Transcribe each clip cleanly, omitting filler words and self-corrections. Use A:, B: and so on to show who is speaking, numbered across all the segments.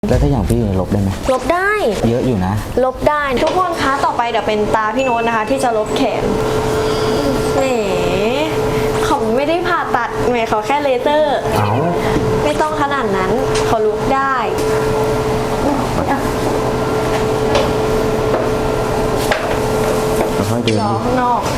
A: แล้วถ้าอย่างพี่ลบได้ไหม
B: ลบได้
A: เยอะอยู่นะ
B: ลบได้ทุกคนคะต่อไปเดี๋ยวเป็นตาพี่โน้ตนะคะที่จะลบแขนแหมเขาไม่ได้ผ่าตัดแหมเขาแค่เลเซอร์ไม่ต้องขนาดนั้นเขาลุกได้
A: ค่อยๆเดิน
B: รอข้างนอก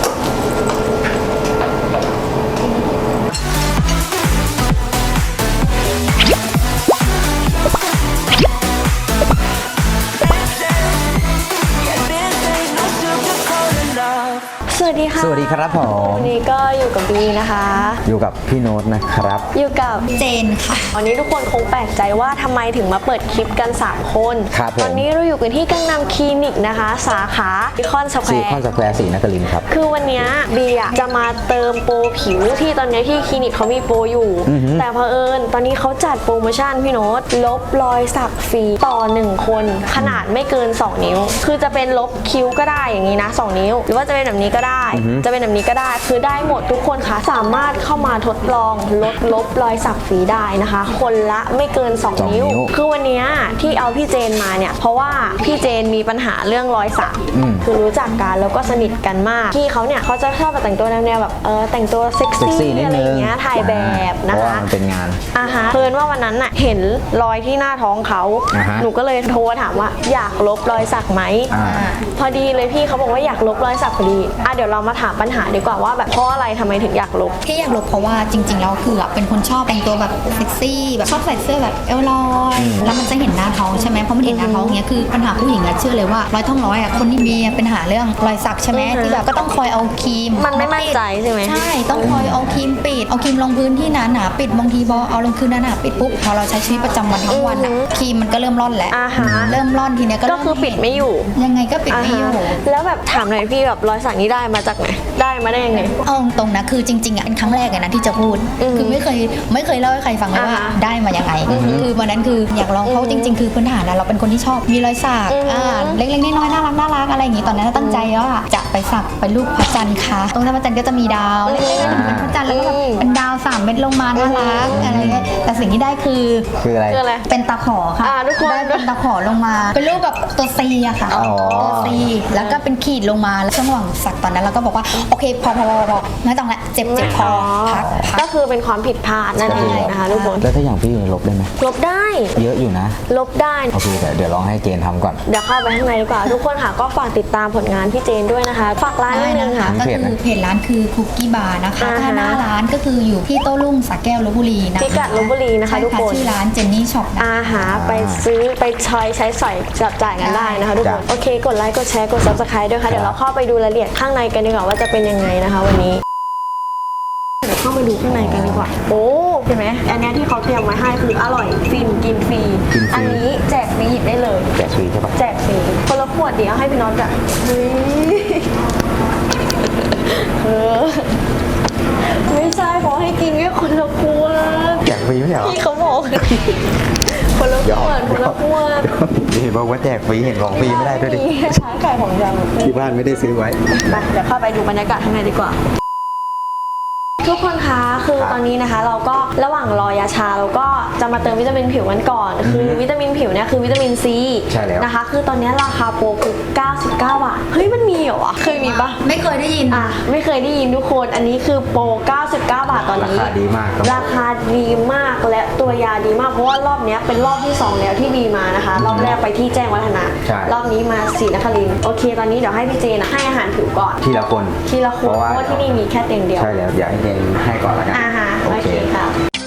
B: สวัสดีค่ะ
A: สวัสดีครับผม
B: วันนี้ก็อยู่กับบีนะคะ
A: อยู่กับพี่โน้ตนะครับ
B: อยู่กับ
C: เจนค่ะ
B: วันนี้ทุกคนคงแปลกใจว่าทำไมถึงมาเปิดคลิปกัน3คน
A: ครับผม
B: ตอนนี้เราอยู่กันที่กังนำคลินิกนะคะสาขาซิคอนสแคว
A: ซี
B: ร์
A: คอนสแควร์ศรีนครินทร์ครับ
B: คือวันนี้บีอะจะมาเติมโปรผิวที่ตอนนี้ที่คลินิกเขามีโปรอยู่แต่เผอิญตอนนี้เขาจัดโปรโมชั่นพี่โน้ตลบรอยสักฟรีต่อ1คนขนาดไม่เกิน2นิ้วคือจะเป็นลบคิ้วก็ได้อย่างนี้นะ2นิ้วหรือว่าจะเป็นแบบนี้ก็ได้จะเป็นแบบนี้ก็ได้คือได้หมดทุกคนค่ะสามารถเข้ามาทดลองลบรอยสักฟรีได้นะคะคนละไม่เกิน2นิ้วคือวันนี้ที่เอาพี่เจนมาเนี่ยเพราะว่าพี่เจนมีปัญหาเรื่องรอยสักคือรู้จักกันแล้วก็สนิทกันมากพี่เขาเนี่ยเขาจะชอบแต่งตัวแนวแบบแต่งตัวเซ็กซี่อะไรอย่างเงี้ยถ่ายแบบนะคะ
A: มันเป็นงาน
B: เพิ่นว่าวันนั้นน่ะเห็นรอยที่หน้าท้องเขาหนูก็เลยโทรถามว่าอยากลบรอยสักไหมพอดีเลยพี่เขาบอกว่าอยากลบรอยสักพอดีเดี๋ยวเรามาถามปัญหาดีกว่าว่าแบบเพราะอะไรทำไมถึงอยากลบ
C: ที่อยากลบเพราะว่าจริงๆแล้วคือเป็นคนชอบแต่งตัวแบบเซ็กซี่แบบชอบใส่เสื้อแบบเอวลอยแล้วมันจะเห็นหน้าท้องใช่ไหมเพราะมันเห็นหน้าท้องเนี้ยคือปัญหาผู้หญิงเชื่อเลยว่ารอยท้องร้อยคนที่มีปัญหาเรื่องรอยสักใช่ไหมที่แบบก็ต้องคอยเอาครีม
B: มันไม่มั่นใจใช่ไหม
C: ใช่ต้องคอยเอาครีมปิดเอาครีมลงพื้นที่หนาๆปิดบางทีพอเอาลงคืนหนาๆปิดปุ๊บพอเราใช้ชีวิตประจำวันทั้งวันครีมมันก็เริ่มร่อนแล้วเริ่มร่อนทีเนี้ย
B: ก็คือปิดไม่อยู่
C: ยังไงก็ปิดไม่อยู่
B: แล้วแบบถามหน่อยพี่แบบรอยสักนี้ได้มาจากไหนได้มาได้ยังไง
C: เอาตรงนะคือจริงๆเป็นครั้งแรกเลยนะที่จะพูดคือไม่เคยเล่าให้ใครฟังเลยว่าได้มายังไงคือวันนั้นคืออยากลองเพราะจริงๆคือพื้นฐานเราเป็นคนที่ชอบมีรอยสักเล็กๆน้อยๆน่ารักอะไรอย่างงี้ตอนนั้นตั้งใจว่าจะไปสักเป็นรูปพระจันทร์ค่ะตรงนั้นพระจันทร์ก็จะมีดาวเล็กๆเป็นพระจันทร์แล้วก็เป็นดาว3 เม็ดลงมาน่ารักอะไรเงี้ยแต่สิ่งที่ได้คือ
A: อะไร
C: เป็นตะขอค่ะ
B: ทุกคน
C: ได้เป็นตะขอลงมาเป็นรูปแบบตัว C อะค่ะตัว C แล้วก็เป็นขีดลงมาแล้วช่วงระหว่างสักตอนนั้นเราก็บอกว่าโอเคพอไม่ต้องละเจ็บพอพัก
B: ก็คือเป็นความผิดพลาดนั่นเองนะคะทุกคน
A: แล้วถ้าอย่างพี่ลบได้ไหม
B: ลบได้
A: เยอะอยู่นะ
B: ลบได้
A: โอเคเดี๋ยวลองให้เจนทำก่อน
B: เดี๋ยวเข้าไปข้างในดีกว่าทุกคนค่ะก็ฝากติดตามผลงานพี่เจนด้วยนะคะฝากร้านนิดนึงค่ะ
C: ก็คือเพจร้านคือคุกกี้บาร์นะคะถ้าหน้าร้านก็คืออยู่ที่โต้รุ่งสระแก้วลพบุรีนะคะ
B: พิกัดลพบุรีนะคะทุกคน
C: ชื่อร้านเจนนี่ช็อป
B: ไปซื้อไปใช้สอยจับจ่ายกันได้นะคะทุกคนโอเคกดไลค์กดแชร์กด Subscribe ด้วยค่ะเดี๋ยวเราเข้าไปดูรายละเอียดข้างในกันดีกว่าว่าจะเป็นยังไงนะคะวันนี้เดี๋ยวเข้าไปดูข้างในกันดีกว่าโอ้เห็นไหมอันนี้ที่เขาเตรียมไว้ให้คืออร่อยฟินกินฟรีอันนี้แจกฟรีหยิบได้เลย
A: แจกฟรีใช่ปะ
B: แจกฟรีคนละขวดเดี๋ยวให้พี่น็อตอะไม่ใช่ขอให้กินแค่คนละขวด
A: แจกฟรีไม่ใช่หรอ
B: พี่เขาบอกคนละขวด
A: เห็นบอกว่าแจกฟรีเห็นของฟรีไม่ได้ด้วยดิ
B: ช้าไก่ของยัง
A: ที่บ้านไม่ได้ซื้อไว้
B: เดี๋ยวเข้าไปดูบรรยากาศข้างในดีกว่าทุกคนคะคือตอนนี้นะคะเราก็ระหว่างรอยาชาเราก็จะมาเติมวิตามินผิวกันก่อนคือวิตามินผิวเนี่ยคือวิตามินซีนะคะคือตอนนี้ราคาโปรคือ99 บาทเฮ้ยมันมีเหรอวะเคยมีปะ
C: ไม่เคยได้ยิน
B: ไม่เคยได้ยินทุกคนอันนี้คือโปร99 บาทตอนนี้
A: ราคาดีมาก
B: ราคาดีมากและตัวยาดีมากเพราะว่ารอบนี้เป็นรอบที่2แล้วที่บีมานะคะรอบแรกไปที่แจ้งวัฒนะรอบนี้มาศรีนครินทร์โอเคตอนนี้เดี๋ยวให้พี่เจนให้อาหารผิวก่อน
A: ทีละคน
B: เพราะว่าที่นี่มีแค่เตียงเดียว
A: ใช่แล้วอยากให้เจนให้ก่อนละกัน
B: โอเคค่ะ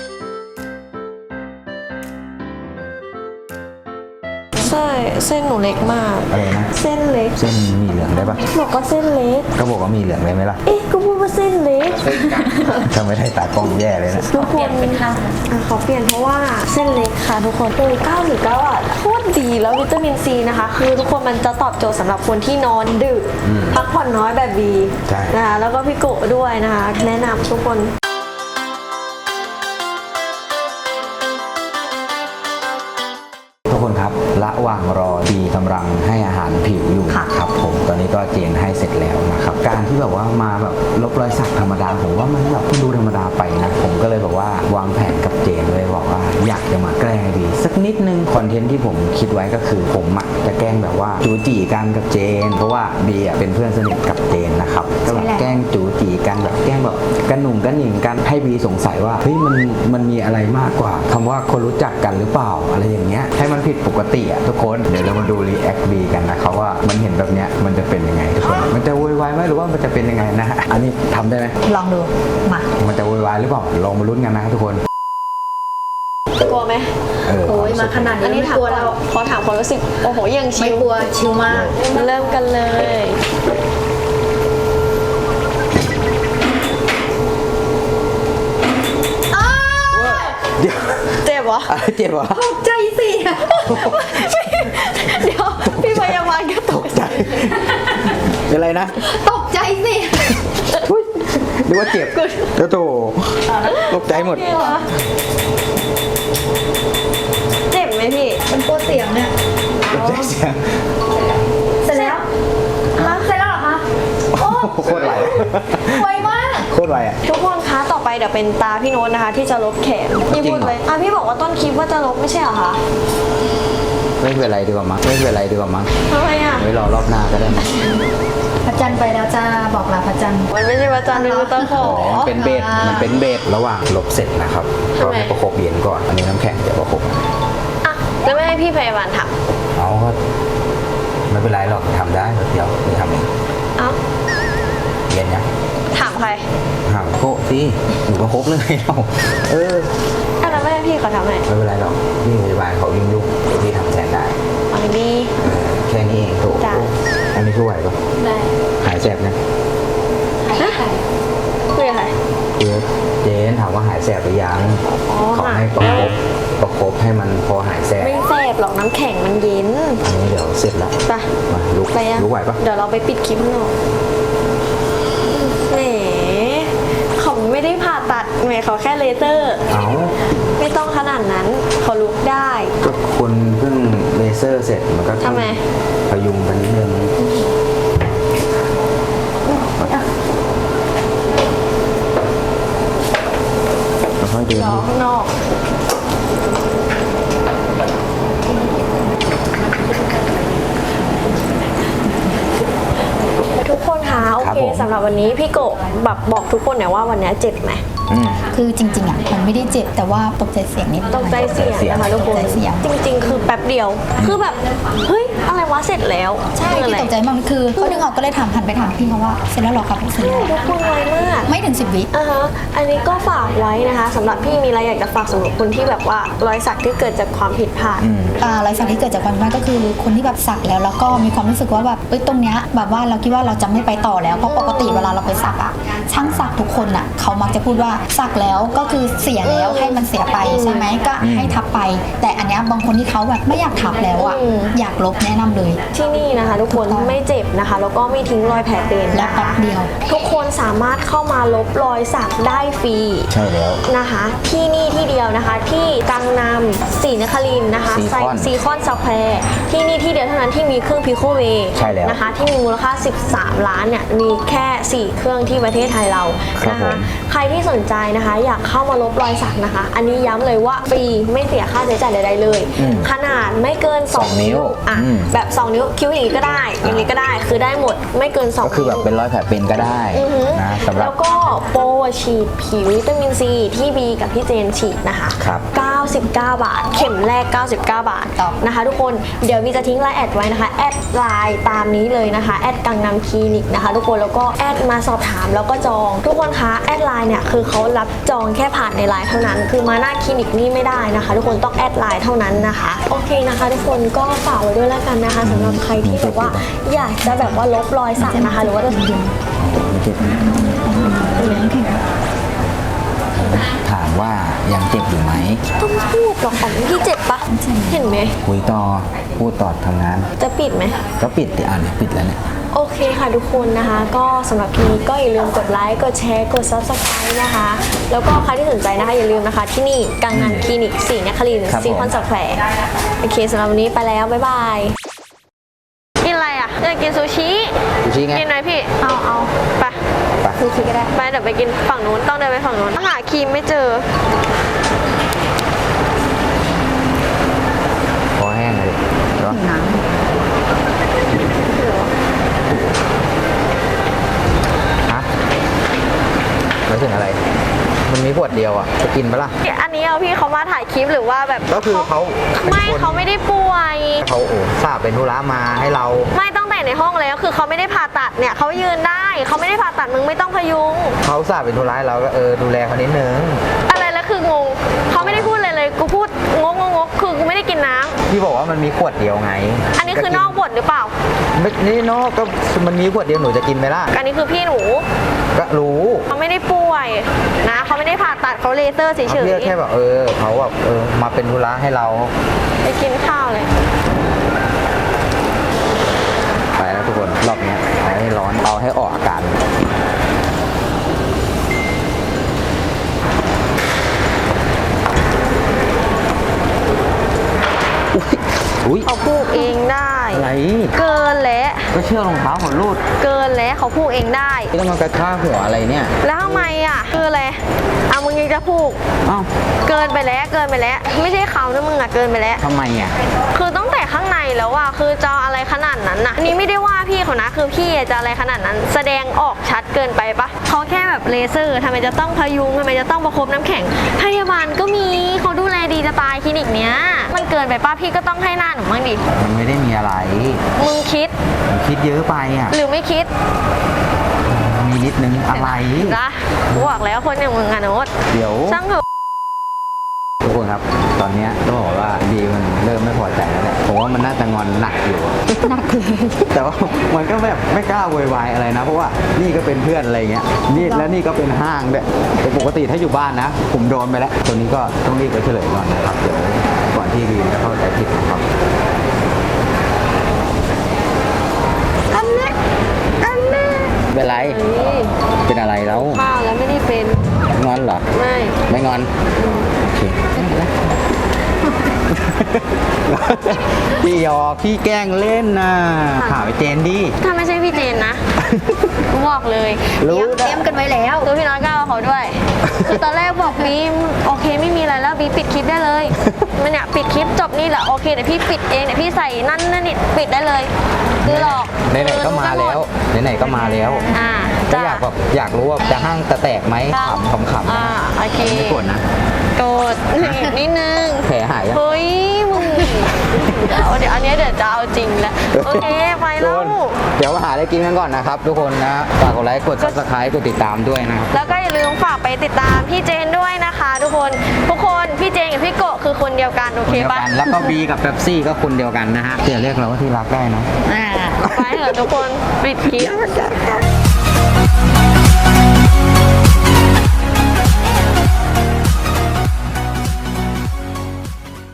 B: ใช่เส้นหนูเล็กมาก
A: อะไรนะ
B: เส้นเล็ก
A: เส้นมีเหลืองได้ปะ
B: บอกก็เส้นเล็ก
A: ก็บอกว่ามีเหลืองได้ไหมล่ะ
B: ก็พูดว่าเส้นเล็ก
A: ถ้าไม่ได้ตากล้องแย่เลยนะ
B: ทุกคนขอเปลี่ยนเพราะว่าเส้นเล็กค่ะทุกคน99 บาทโคตรดีแล้ววิตามินซีนะคะคือทุกคนมันจะตอบโจทย์สำหรับคนที่นอนดึกพักผ่อนน้อยแบบบีนะคะแล้วก็พี่โกะด้วยนะคะแนะนำทุกคน
A: ครับระหว่างรอดีกำลังให้อาหารผิวอยู่ครับผมตอนนี้ก็เจนให้เสร็จแล้วนะครับการที่แบบว่ามาแบบลบรอยสักธรรมดาผมว่ามันแบบดูธรรมดาไปนะผมก็เลยแบบว่าวางแผนกับเจนเลยบอกว่าอยากจะมาแกล้งบีสักนิดนึงคอนเทนต์ที่ผมคิดไว้ก็คือผมจะแกล้งแบบว่าจูจีกันกับเจน เพราะว่าบีเป็นเพื่อนสนิทกับเจนนะครับก็แบบแกล้งจูจีกันแบบแกล้งแบบกันหนุ่มกันหนิงกันให้บีสงสัยว่าเฮ้ยมันมีอะไรมากกว่าคำว่าคนรู้จักกันหรือเปล่าอะไรอย่างเงี้ยให้มันผิดปกติทุกคนเดี๋ยวเรามาดูรีแอคบีกันนะครับว่ามันเห็นแบบเนี้ยมันจะเป็นยังไงทุกคนมันจะโวยวายไหมหรือว่ามันจะเป็นยังไงนะฮะอันนี้ทำได้ไหม
C: ลองดูมา
A: มันจะโวยวายหรือเปล่าลองมาลุ้นกันนะทุกคน
B: กลัวไหม
C: โอ้ยมาขนาด
B: อัน
C: นี้
B: นี้
C: ไม่
B: ถาม
C: กลัว
B: ก่อน
C: แล้ว
B: ขอถามความรู้สึกโอ้โหยังชิ
C: ไม่
B: ล
C: กลัวชิลมาก
B: เริ่มกันเลย
A: เดี๋ยว
B: เจ็บเหรอ
A: อะไรเจ็บเหรอ
C: ตกใจสิ
B: เดี๋ยวพี่พยาบาลก็ตก
A: ใจเป็นไรนะ
C: ตกใจสิ
A: อุ๊ยนึกว่าเจ็บโอ้โถตกใจหมด
B: เจ็บไหมพี่
C: มันกลัวเสียงเนี่ย
A: ตกใจเสียง
C: เสร็จแล้วฮะเสร็จแล้วเหรอคะโอ้
A: โคตรไหว
C: ไวมาก
A: โคตรไหวอ่ะ
B: ทุกคนคะต่อไปเดี๋ยวเป็นตาพี่โน้ตนะคะ ที่จะลบแขนพี่พูดเลยอ่ะพี่บอกว่าต้นคลิปว่าจะลบไม่ใช่เหรอคะ
A: ไม่เป็นไรดีกว่ามั้งไม่เป็นไรดีกว่ามั้ง
B: ทำไมอ่ะ
A: ไว้รอรอบหน้าก็ได้มั้ง
C: พระจันทร์ไปแล้วจ้าบอกลาพระจันทร์
B: มันไม่ใช่ประจันทร์เป็นตะขอ
A: มันเป็นเบสมันเป็นเบสระหว่างลบเสร็จนะครับ
B: ทำ
A: ก็
B: ไม
A: ให้ประคบเย็นก่อนอันนี้น้ำแข็งจะประคบ
B: อ่ะแล้วไม่ให้พี่พยาบาลท
A: เอาก็ไม่เป็นไรหรอกทำได้เดี๋ยวไปทำเอง
B: ำเอ้า
A: เย็นยัง
B: ถามใคร
A: ถามโก้สิหนูประคบเลยเราเออ
B: อ่ะแล้วไม่ให้พี่เขาทำไง
A: ไม่เป็นไรหรอกพี่พยาบาลเขายุ่งเดี๋ยวพี่ทำแทนได้
B: เอาดี
A: แค่นี้เองถูก
B: จ้ะ
A: อันนี้คือไหวปะ
B: ได้
A: หายแสบนะ
B: คุยกับใคร
A: คือเจนถามว่าหายแสบหรือยัง
B: อ๋อ
A: ขอให้ประคบให้มันพอหายแสบ
B: ไม่แสบหรอกน้ำแข็งมันเย็น
A: อันนี้เดี๋ยวเสร็จแล้ว
B: ไป
A: มาลุก
B: ไปยัง
A: ลุกไหวปะ
B: เดี๋ยวเราไปปิดคลิปหน่อยแหมเขาไม่ได้ผ่าตัดแหมเขาแค่เลเซอร์
A: เอา
B: ไม่ต้องขนาดนั้นเขาลุกได้
A: ก็คนเพิ่งเลเซอร์เสร็จมันก็ต้อง
B: ทำไม
A: พยุงกันนิดนึงค่อยๆเดิน
B: รอข้างนอกทุกคนคะโอเคสำหรับวันนี้พี่โกะแบบบอกทุกคนหน่อยว่าวันนี้เจ็บไหม
A: อืม
C: คือจริงๆอ่ะมันไม่ได้เจ็บแต่ว่าตกใจเสียงนิดหน่อย
B: ตกใจเสียงนะคะทุกคน
C: ตกใจเสียง
B: จริงๆ คือแป๊บเดียว คือแบบเฮ้ยอะไรวะเสร็จแล้ว
C: ใช่
B: คืออะไร
C: ที่ตกใจมากคือเขาดึงออกก็เลยถามหันไปถามพี่เขาว่าเสร็จแล้วเหรอครับเสร็จแล้ว
B: ทุกคนไวมาก
C: ไม่ถึง10 วิ
B: อ่าฮะอันนี้ก็ฝากไว้นะคะสำหรับพี่มีอะไรอยากจะฝากสำหรับคนที่แบบว่ารอยสักที่เกิดจากความผิดพลาด
C: รอยสักที่เกิดจากความผิดพลาดก็คือคนที่แบบสักแล้วก็มีความรู้สึกว่าแบบตรงเนี้ยแบบว่าเราคิดว่าเราจะไม่ไปต่อแล้วเพราะปกติเวลาเราไปสักอ่ะช่างสักทุกคนอ่ะเขามักจะพูดว่าสักแล้วก็คือเสียแล้วให้มันเสียไปใช่ไหมก็ให้ทับไป แต่อันเนี้ยบางคนที่เขาแบบไม่อยากทับแล้วอ่ะอยากลบแนะนำเลย
B: ที่นี่นะคะ ทุกคนไม่เจ็บนะคะ แล้วก็ไม่ทิ้งรอยแผลเป็น
C: และ
B: นะ
C: แป๊
B: คะ
C: บเดียว
B: ทุกคนสามารถเข้ามาลบรอยสักได้ฟรี
A: ใช่แล้ว
B: นะคะ ที่นี่ที่เดียวนะคะ ที่กังนำศรีนครินทร์นะคะ
A: ซีคอน
B: สแควร์ที่นี่ที่เดียวเท่านั้นที่มีเครื่องพิโคเว
A: ใช่แล้ว
B: นะคะ ที่มีมูลค่า 13 ล้านเนี่ยมีแค่ 4 เครื่องที่ประเทศไทยเรา
A: ครับ
B: นะคะ
A: ผม
B: ใครที่สนใจนะคะ อยากเข้ามาลบรอยสักนะคะ อันนี้ย้ำเลยว่าฟรีไม่เสียค่าใช้จ่ายใดๆเลย ขนาดไม่เกิน 2 นิ้วอ่ะแบบ 2 นิ้วคิ้วอย่างนี้ก็ได้ อย่างนี้ก็ได้คือได้หมดไม่เกิน 2
A: ก็คือแบบเป็นรอยแผลเป็นก็ได้
B: อือหือ
A: นะสำหรับ
B: แล้วก็โปรฉีดผิววิตามินซีที่บีกับพี่เจนฉีดนะคะ
A: ครับ
B: 99 บาท เข็มแรก 99 บาท
C: ครับ
B: นะคะทุกคนเดี๋ยววีจะทิ้งไลน์แอดไว้นะคะแอดไลน์ตามนี้เลยนะคะแอดกังนำคลินิกนะคะทุกคนแล้วก็แอดมาสอบถามแล้วก็จอง ทุกคนคะแอดไลน์เนี่ยคือเขารับจองแค่ผ่านในไลน์เท่านั้น คือมาหน้าคลินิกนี่ไม่ได้นะคะ ทุกคนต้องแอดไลน์เท่านั้นนะคะโอเคนะคะ ทุกคนก็ฝากไว้ด้วยแล้วกันนะคะสำหรับใครที่แบบว่าอยากจะแบบว่าลบรอยสักนะคะหรือว่าจะ
A: ไม่เจ็บถามว่ายังเจ็บอยู่ไหม
B: ต้องพูดหรอกของพี่เจ็บปะเห็นไหม
A: คุยต่อพูดต่อทำงาน
B: จะปิดไหม
A: ก็ปิดดิเนี่ยปิดแล้วเนี่ย
B: โอเคค่ะทุกคนนะคะ ก็สำหรับคลิปนี้ก็อย่าลืมกดไลค์กดแชร์กด Subscribe นะคะ แล้วก็ใครที่สนใจนะคะอย่าลืมนะคะ ที่นี่กังนันคลินิกศรีนครินทร์
A: ครับผม
B: ซีคอนสแควร์โอเคสำหรับวันนี้ไปแล้ว บ๊ายบาย กินอะไรอ่ะอยากกินซูชิ
A: ดูชี้ไง
B: กินไหมพี่ เอาไป
A: ไป
B: ซูชิก็ได้ไปเดี๋ยวไปกินฝั่งนู้นต้องเดินไปฝั่งนู้นหาครีมไม่เจอ
A: ดเดียวอ่ะจะกินปะล่ะ
B: อันนี้เอาพี่เขามาถ่ายคลิปหรือว่าแบบ
A: ก็คือเขา
B: ไม่เขาไม่ได้ป่วย
A: เขาทราบเป็นธุระมาให้เรา
B: ไม่ตั้งแต่ในห้องแล้วคือเขาไม่ได้ผ่าตัดเนี่ยเขายืนได้เขาไม่ได้ผ่าตัดมึงไม่ต้องพยุง
A: เขาทราบเป็นธุระให้เราก็ดูแลเขานิดนึง
B: อะไรแล้วคืองงเขาไม่ได้พูดเลยกูพูดงกคือกูไม่ได้กินน้ำ
A: พี่บอกว่ามันมีขวดเดียวไง
B: อันนี้คือนอกบทหรือเปล่า
A: ไม่นี่นอกก็มันมีขวดเดียวหนูจะกินไหมล่ะ
B: อันนี้คือพี่หนู
A: ก็รู้
B: เขาไม่ได้ป่วยนะเขาไม่ได้ผ่าตัดเขาเลเซอร์เฉย
A: เขาเรียกแค่แบบเขาแบบมาเป็นธุระให้เรา
B: ๆไปกินข้าวเลย
A: ไปแล้วทุกคนรอบเนี้ยเอาให้ร้อนเอาให้ออกอาการอุ้ย
B: เขาพูดเองได้
A: อะไร
B: เกินแล้ว
A: ก็เชือกรองเท้าของรูด
B: เกินแล้วเขาพูดเองได้
A: ที่ต้องมากระชากหัวอะไรเนี่ย
B: แล้วทำไมอ่ะคืออะไรเอามึงยังจะพูด
A: อ้าว
B: เกินไปแล้วไม่ใช่เขานะมึงอ่ะเกินไปแล้ว
A: ทำไมอ่ะ
B: คือตั้งแต่ข้างในแล้วอ่ะคือจะเอาอะไรขนาดนั้นนะนี่ไม่ได้ว่าพี่เขานะคือพี่จะอะไรขนาดนั้น แสดงออกชัดเกินไปปะเขาแค่แบบเลเซอร์ทำไมจะต้องพยุงทำไมจะต้องประคบน้ำแข็งพยาบาลก็มีเขาดูแลดีจะตายคลินิกเนี้ยมันเกินไปปะพี่ก็ต้องให้หน้าหนูบ้างดิ
A: มันไม่ได้มีอะไร
B: มึงคิด
A: ผมคิดเยอะไปอ่ะ
B: หรือไม่คิด
A: มีนิดนึงอะไร
B: นะบอกแล้วคนอย่างมึงอะโน้ต
A: เดี๋ยว
B: ช่างเถอะ
A: ทุกคนครับ ตอนเนี้ยต้องบอกว่าดีมันเริ่มไม่พอใจแล้วแหละผมว่ามันน่าจะงอนหนักอยู่
C: หนักเลย
A: แต่ว่ามันก็แบบไม่กล้าโวยวายอะไรนะ เพราะว่านี่ก็เป็นเพื่อนอะไรเงี้ยนี่แล้วนี่ก็เป็นห้างด้วยแต่ปกติถ้าอยู่บ้านนะ ผมโดนไปแล้วตัวนี้ก็ต้องรีบไปเฉลยก่อนนะครับเดี๋ยวก่อนที่วีจะเข้าใจผิดนะครับ
B: อันเนี้ย
A: เป็นไร เป็นอะไรแล้ว
B: ข้าวแล้วไม่ได้เป็น
A: งอนเหรอ
B: ไม่
A: ไม่งอนโอเคพี่หยอกพี่แกล้งเล่นนะถามไอ้เจนดิ
B: ถ้าไม่ใช่พี่เจนนะบอกเลย
A: รู้
C: เตรียมกันไว้แล้ว
B: คือพี่น้อยก็เอาเขาด้วย คือตอนแรกบอกบีมโอเคไม่มีอะไรแล้วบีปิดคลิปได้เลย มันเนี่ยปิดคลิปจบนี่แหละโอเคเดี๋ยวพี่ปิดเองเดี๋ยวพี่ใส่นั่นนี่ปิดได้เลยคือหลอก
A: ไหนๆก็มาแล้วไหนๆก็มาแล้ว
B: อ่า
A: ก็
B: จ้ะ
A: อยากแบบอยากรู้ว่าจะห้างจะแตกไหมขำๆ
B: อ่าโอเค
A: ไม่กดนะ
B: โกรธนิดนึง
A: แผลหายยัง
B: เฮ้ยมึงเดี๋ยวอันเนี้ยเดี๋ยวจะเอาจริงแล้วโอเคไป
A: ทุก
B: แล้
A: คว นเดี๋ยวมาหาอะไรกินกันก่อนนะครับ ทุกคนนะฝากกดไลค์กด subscribe กดติดตามด้วยนะครับ
B: แล้วก็อย่าลืมฝากไปติดตามพี่เจนด้วยนะคะ ทุกคนพี่เจนกับพี่โกะคือคนเดียวกันโอ
A: คน
B: เค
A: เดียว
B: ปะ
A: กันแล้วก็บีกับเป๊ปซี่ก็คนเดียวกันนะฮะเดี๋ยวเรียกเราว่าที่รักได้นะ
C: อ่า
B: ไปเถอะทุกคนปิดคลิป